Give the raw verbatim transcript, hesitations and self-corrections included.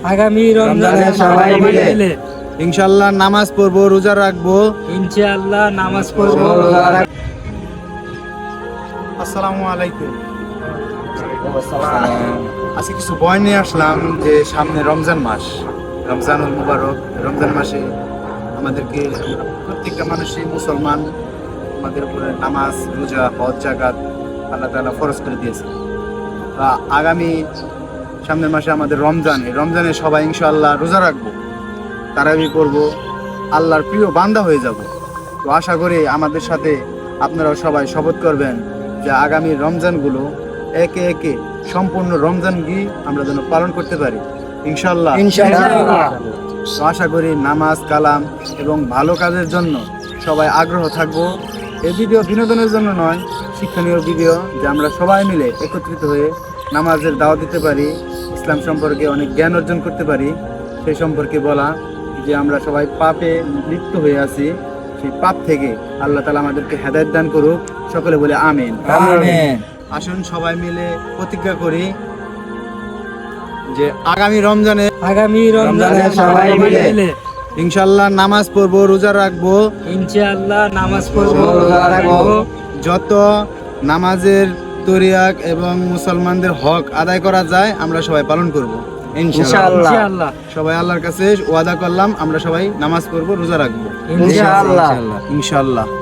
আগামী রমজানে সবাই মিলে ইনশাআল্লাহ নামাজ পড়বো, রোজা রাখবো। ইনশাআল্লাহ নামাজ পড়বো, রোজা রাখবো। আসসালামু আলাইকুম। আজকে কিছু বয় নিয়ে আসলাম যে সামনে রমজান মাস, রমজানুল মুবারক। রমজান মাসে আমাদেরকে প্রত্যেকটা মানুষই মুসলমান, আমাদের উপরে নামাজ, রোজা, হজ, জাকাত আল্লাহ তাআলা ফরজ করে দিয়েছে। তা আগামী সামনের মাসে আমাদের রমজান, এই রমজানে সবাই ইনশাআল্লাহ রোজা রাখবো, তারাবি করবো, আল্লাহর প্রিয় বান্দা হয়ে যাব। তো আশা করি আমাদের সাথে আপনারাও সবাই শপথ করবেন যে আগামী রমজানগুলো একে একে সম্পূর্ণ রমজান গিয়ে আমরা যেন পালন করতে পারি ইনশাআল্লাহ। ইনশাআল্লাহ। তো আশা করি নামাজ, কালাম এবং ভালো কাজের জন্য সবাই আগ্রহ থাকবো। এই ভিডিও বিনোদনের জন্য নয়, শিক্ষণীয় ভিডিও, যে আমরা সবাই মিলে একত্রিত হয়ে নামাজের দাওয়াত দিতে পারি, ইসলাম সম্পর্কে অনেক জ্ঞান অর্জন করতে পারি, সেই সম্পর্কে বলা। যে আমরা সবাই পাপে লিপ্ত হয়ে আছি, সেই পাপ থেকে আল্লাহ তাআলা আমাদেরকে হেদায়েত দান করুক। সকলে বলে আমিন। আমিন। আসুন সবাই মিলে প্রতিজ্ঞা করি যে আগামী রমজানে আগামী রমজানে সবাই মিলে ইনশাআল্লাহ নামাজ পড়বো, রোজা রাখবো। ইনশাআল্লাহ নামাজ পড়বো, রোজা রাখবো। যত নামাজের তরিয়াক এবং মুসলমানদের হক আদায় করা যায় আমরা সবাই পালন করব ইনশাআল্লাহ। ইনশাআল্লাহ। সবাই আল্লাহর কাছে ওয়াদা করলাম আমরা সবাই নামাজ পড়বো, রোজা রাখবো ইনশাআল্লাহ। ইনশাআল্লাহ।